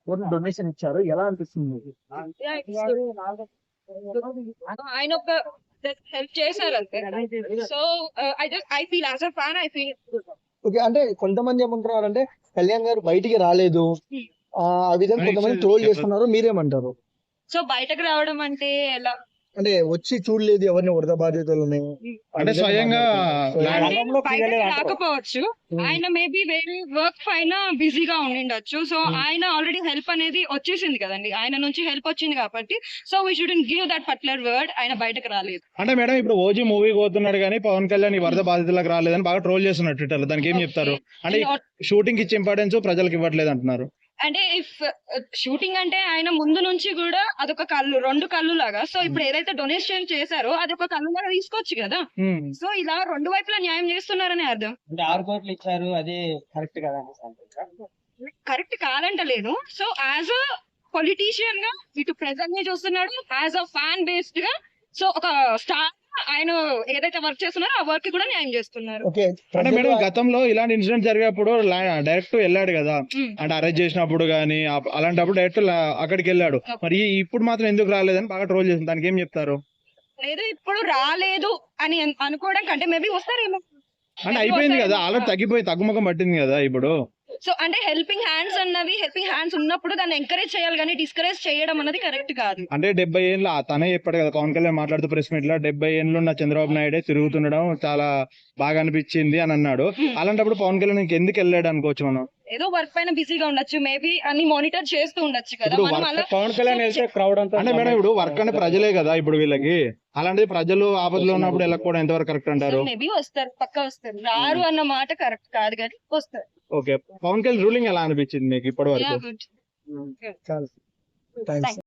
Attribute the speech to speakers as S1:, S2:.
S1: Donation ఇచ్చారు, ఎలా అనిపిస్తుంది మీకు?
S2: Yeah, it's good. ఆయన ఒక హెల్ప్ చేశారు అంతే. So I feel as a fan, I feel
S3: okay, అంటే కొంతమంది ఏమంటున్నారు అంటే కళ్యాణ్ గారు బయటికి రాలేదు, ఆ విధంగా కొంతమంది ట్రోల్ చేస్తున్నారు, మీరేమంటారు?
S2: సో బయటకు రావడం అంటే ఎలా
S3: అంటే వచ్చి చూడలేదు ఎవరిని వరద బాధితులని,
S4: అంటే స్వయంగా
S2: బయటకు రాకపోవచ్చు, ఆయన మేబీ వేరే వర్క్ పైన బిజీగా ఉండిండొచ్చు. సో ఆయన ఆల్రెడీ హెల్ప్ అనేది వచ్చేసింది కదండి, ఆయన నుంచి హెల్ప్ వచ్చింది కాబట్టి. So we shouldn't give that particular word. ఆయన బయటకు రాలేదు
S4: అంటే మేడం ఇప్పుడు ఓజీ మూవీ పోతున్నాడు కానీ పవన్ కళ్యాణ్ ఈ వరద బాధితులకు రాలేదని బాగా ట్రోల్ చేస్తున్నారు ట్విట్టర్ లో. దానికి ఏం చెప్తారు? అంటే షూటింగ్ ఇచ్చే ఇంపార్టెన్స్ ప్రజలకు ఇవ్వట్లేదు అంటున్నారు.
S2: అంటే ఇఫ్ షూటింగ్ అంటే ఆయన ముందు నుంచి కూడా అదొక కళ్ళు, రెండు కళ్ళు లాగా. సో ఇప్పుడు ఏదైతే డొనేషన్ చేశారో అది ఒక కళ్ళు లాగా తీసుకోవచ్చు కదా. సో ఇలా రెండు వైపులా న్యాయం చేస్తున్నారని అర్థం.
S1: అంటే 6 కోట్లు ఇచ్చారు, అది కరెక్ట్ కదా?
S2: కరెక్ట్ కాదంటలేను. సో యాజ్ అ పొలిటీషియన్ గా ఇటు ప్రజల్ని చూస్తున్నాడు, యాజ్ అ ఫ్యాన్ బేస్డ్ గా. సో ఒక స్టార్ ఆయన ఏదైతే వర్క్ చేస్తున్నారో ఆ వర్క్ కూడా న్యాయం చేస్తున్నారు.
S3: ఓకే,
S4: అంటే మేడం గతంలో ఇలాంటి ఇన్సిడెంట్ జరిగినప్పుడు డైరెక్ట్ వెళ్ళాడు కదా, అంటే అరెస్ట్ చేసినప్పుడు గానీ అలాంటప్పుడు డైరెక్ట్ అక్కడికి వెళ్ళాడు. మరి ఇప్పుడు మాత్రం ఎందుకు రాలేదని బాగా ట్రోల్ చేసింది. దానికి ఏం చెప్తారు?
S2: లేదు ఇప్పుడు రాలేదు అని అనుకోవడం కంటే మేబీ వస్తారేమో.
S4: అంటే అయిపోయింది కదా, ఆల్రెడీ తగ్గుముఖం పట్టింది కదా ఇప్పుడు.
S2: సో అంటే హెల్పింగ్ హ్యాండ్స్ ఉన్నప్పుడు దాన్ని ఎంకరేజ్ చేయాలి కానీ డిస్కరేజ్ చేయడం అన్నది కరెక్ట్ కాదు.
S4: అంటే 70 ఏళ్ళు తనే చెప్పాడు కదా పవన్ కళ్యాణ్ మాట్లాడుతూ ప్రెస్ మీట్ లో, 70 ఏళ్ళు ఉన్న చంద్రబాబు నాయుడే తిరుగుతుండడం చాలా బాగా అనిపించింది అని అన్నాడు. అలాంటప్పుడు పవన్ కళ్యాణ్ ఎందుకు వెళ్ళాడు అనుకోవచ్చు మనం?
S2: ఏదో వర్క్ పైన బిజీగా ఉండొచ్చు, మేబీ అన్ని మానిటర్ చేస్తూ ఉండొచ్చు కదా.
S1: పవన్ కళ్యాణ్ వెళ్తే క్రౌడ్ అంతా
S4: అంటే మేడం ఇప్పుడు వర్క్ అంటే ప్రజలే కదా ఇప్పుడు వీళ్ళకి, అలాంటిది ప్రజలు ఆపదలో ఉన్నప్పుడు వెళ్ళకపోవడం ఎంతవరకు కరెక్ట్ అంటారు?
S2: మేబీ వస్తారు, పక్కా వస్తారు. రారు అన్న మాట కరెక్ట్ కాదు కానీ వస్తారు.
S4: ఓకే, పవన్ కళ్యాణ్ రూలింగ్ ఎలా అనిపించింది మీకు ఇప్పటి వరకు?
S2: గుడ్.
S3: చాలా థ్యాంక్స్.